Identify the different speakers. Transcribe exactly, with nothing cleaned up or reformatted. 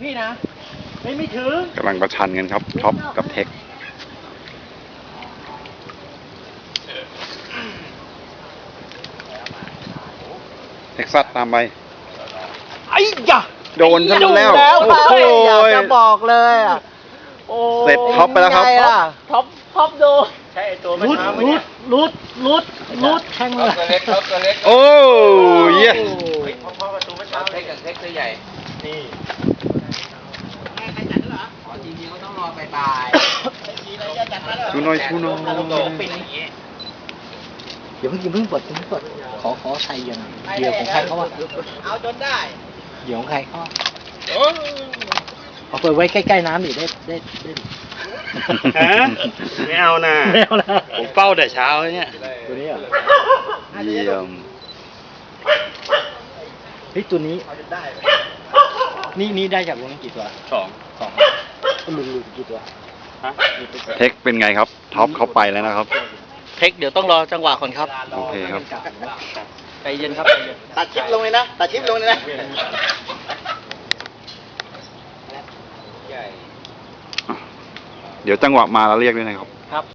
Speaker 1: พี่นะไม่ไม่ถึง
Speaker 2: กำลังประชันกันครับท็อปกับเทคเท็กซัสตามไป
Speaker 1: ไอ้ยะ
Speaker 2: โดนซะแล้ว
Speaker 1: โอ้โห
Speaker 3: อยากจะบอกเลยอ่ะโอ้
Speaker 2: เสร็จท็อปไปแล้วครับ
Speaker 3: ไงล่ะท็อปท็อปดู
Speaker 1: ใช่ไอตัวมันมาลุดลุดลุดลุดแทงเลย
Speaker 4: ตัวเล็กเขาตัวเล็ก
Speaker 2: โอ้เยี่ย
Speaker 1: เฮ้ยพ่อพ่อประตูเมื่อเช้า
Speaker 4: เล็กกับเล็กตัวใหญ่
Speaker 1: นี่
Speaker 4: อ๋อจริงๆเขาต้องรอบ่าย
Speaker 2: ชูน้อยชูน้อย
Speaker 1: ปิดอย่างงี้
Speaker 3: อย่าเพิ่งอย่าเพิ่งเปิดอย่าเพิ่งเปิดขอขอใครเหยื่อหน่อยเหยื่อของใครเขาว่า
Speaker 4: เอาจนได้
Speaker 3: เหยื่อของใครเขาเอาเปิดไว้ใกล้ๆน้ำดิได้ได้ได้
Speaker 1: ฮะไม่เอานะไม่เอานะผมเฝ้าแต่เช้าเนี่ย
Speaker 3: ตัวนี้เหรอ
Speaker 2: เยี่ยม
Speaker 3: เฮ้ยตัวนี้นี่นี่ได้จากวงนี้กี่ตัว
Speaker 1: สอง
Speaker 3: สองหลุดหลุดกี่ตัว
Speaker 1: ฮะ
Speaker 2: เทคเป็นไงครับท็อปเข้าไปแล้วนะครับ
Speaker 3: เทคเดี๋ยวต้องรอจังหวะก่อนครับ
Speaker 2: โอเคครับ
Speaker 3: ใจเย็นครับใจเย็น
Speaker 4: ตัดชิปลงเลยนะตัดชิปลงเลยนะ
Speaker 2: เดี๋ยวจังหวะมาแล้วเรียกด้วยนะครับ